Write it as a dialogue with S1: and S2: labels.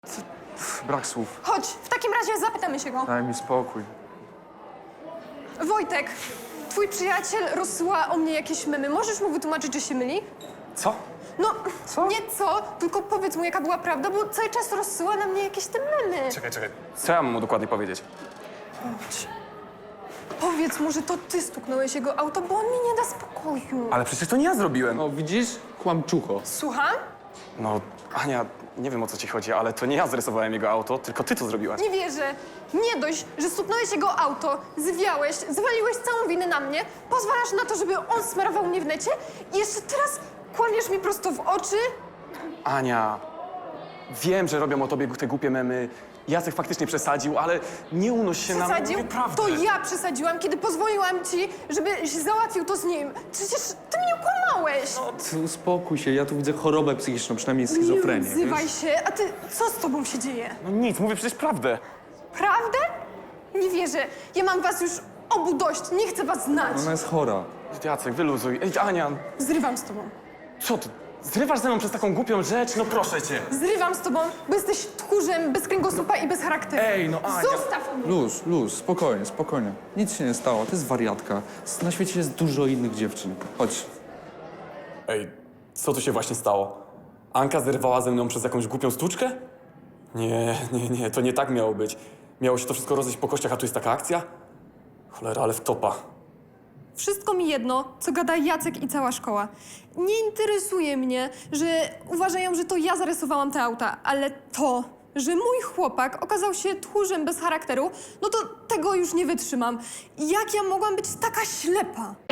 S1: Brak słów.
S2: Chodź, w takim razie zapytamy się go.
S1: Daj mi spokój.
S2: Wojtek, twój przyjaciel rozsyła o mnie jakieś memy. Możesz mu wytłumaczyć, że się myli?
S1: Co?
S2: No,
S1: Co?
S2: nie co, tylko powiedz mu, jaka była prawda, bo cały czas rozsyła na mnie jakieś te memy.
S1: Czekaj. Co ja mam mu dokładnie powiedzieć?
S2: Powiedz mu, że to ty stuknąłeś jego auto, bo on mi nie da spokoju.
S1: Ale przecież to nie ja zrobiłem.
S3: No widzisz? Kłamczucho.
S2: Słucham?
S1: No, Ania, nie wiem o co ci chodzi, ale to nie ja zrysowałem jego auto, tylko ty to zrobiłaś.
S2: Nie wierzę. Nie dość, że stuknąłeś jego auto, zwiałeś, zwaliłeś całą winę na mnie, pozwalasz na to, żeby on smarował mnie w necie i jeszcze teraz kłamiesz mi prosto w oczy?
S1: Ania, wiem, że robią o tobie te głupie memy. Jacek faktycznie przesadził, ale nie unoś się na mnie.
S2: Przesadził?
S1: Mówię prawdę.
S2: To ja przesadziłam, kiedy pozwoliłam ci, żebyś załatwił to z nim. Przecież ty mnie kłamałeś.
S3: Ty uspokój się, ja tu widzę chorobę psychiczną, przynajmniej schizofrenię.
S2: Nie odzywaj się. A ty, co z tobą się dzieje?
S1: No nic, mówię przecież prawdę.
S2: Prawdę? Nie wierzę. Ja mam was już obu dość. Nie chcę was znać.
S3: Ona jest chora.
S1: Jacek, wyluzuj. Ej, Ania,
S2: Zrywam z tobą.
S1: co ty? Zrywasz ze mną przez taką głupią rzecz? No proszę cię.
S2: Zrywam z tobą, bo jesteś tchórzem, bez kręgosłupa i bez charakteru.
S1: Ej, no Ania.
S2: Zostaw mnie.
S3: Luz, spokojnie. Nic się nie stało, to jest wariatka. Na świecie jest dużo innych dziewczyn. Chodź.
S4: Ej, co tu się właśnie stało? Anka zerwała ze mną przez jakąś głupią stłuczkę? Nie, to nie tak miało być. Miało się to wszystko rozejść po kościach, a tu jest taka akcja? Cholera, ale wtopa.
S2: Wszystko mi jedno, co gada Jacek i cała szkoła. Nie interesuje mnie, że uważają, że to ja zarysowałam te auta, ale to, że mój chłopak okazał się tchórzem bez charakteru, no to tego już nie wytrzymam. Jak ja mogłam być taka ślepa?